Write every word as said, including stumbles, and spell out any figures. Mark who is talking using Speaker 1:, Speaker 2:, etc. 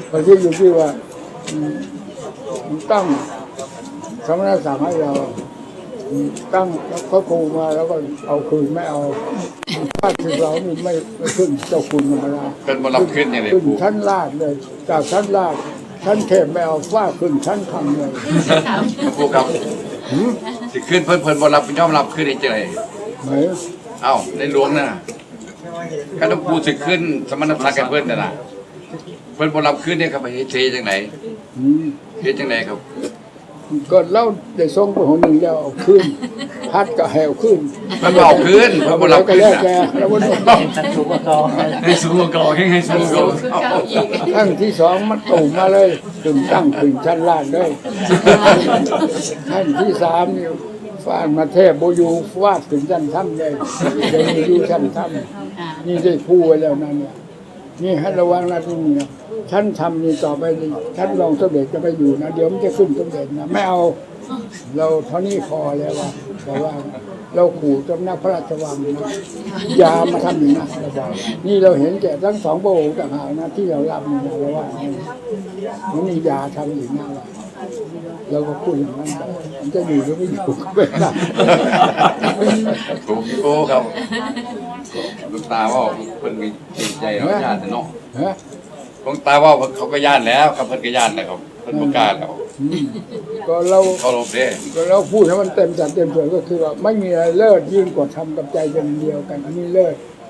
Speaker 1: มันที่อยู่ที่ว่าตั้งสมณศักดิ์ให้เราตั้งแล้วก็ครูมาแล้วก็เอาคืนไม่เอาถ้าถึงเรานี่ไม่ไม่ขึ้นเจ้าคุณธรรมดา
Speaker 2: เป็นบรับขึ้นอย่างไร
Speaker 1: ขึ้นชั้นลาดเลยจากชั้นลาดชั้นเทพไม่เอาฟ้าขึ้นชั้นคำเลย
Speaker 2: ครูครับสิขึ้นเพิ่นเพิ่นบรับย่อมรับขึ้นได้เจอ
Speaker 1: ไหม
Speaker 2: เอ้าในหลวงน่ะก็ต้องปูสิขึ้นสมณศักดิ์กันเพิ่นน่ะนะเพิ่นบรับขึ้นเนี่ยครับไปเทจังไหนเทจังไหนครับ
Speaker 1: ก็เล่าได้ทรงไปหนหนึ่งแล้วเอาขึ้นพัดก็แหวขึ้น
Speaker 2: มันเอาขึ้นมันบรับขึ้น
Speaker 1: แล้วแกแล้ววันนี้
Speaker 3: สูงกว่าให้สูงกว่าให้สูงกว่า
Speaker 1: ทั้งที่สองมันตู่มาเลยถึงตั้งถึงชั้นล่างเลยขั้นที่สามนี่ฟาดมาเทพโบยูฟาดถึงชั้นถ้ำเลยเดินอยู่ชั้นถ้ำนี่ได้พูดไว้แล้วนั่นเนี่ยนี่ให้ระวังนะที่นี่นะฉันทำนี่ต่อไปฉันลองสมเด็จจะไปอยู่นะเดี๋ยวมันจะขึ้นสมเด็จนะไม่เอาเราเท่านี้พอแล้วว่าแต่ว่าเราขู่เจ้าหน้าพระราชวังนะยามาทำอย่างนั้นเราบอกนี่เราเห็นแก่ทั้งสองพระองค์ต่างหากนะที่เรารับนี่นะเราว่ามันนี่ยาทำอย่างนั้นเราก็พูดอย่างนั้นมันจะอยู่หรือไม่อยู่ก็ไม่ได้
Speaker 2: ถูกโก้ครับลูกตาว่าเพิ่นมีจิตใจเราญาติเนาะลูกตาว่าเขาก็ญาติแล้วครับเพิ่นก็ญาตินะครับเพิ่นประกาศแล้ว
Speaker 1: ก็เรา
Speaker 2: เขาลบเด้
Speaker 1: ก็เราพูดให้มันเต็มจัดเต็มส่วนก็คือว่าไม่มีอะไรเลิศยิ่งกว่าทำกับใจกันเดียวกันอันนี้เลิศ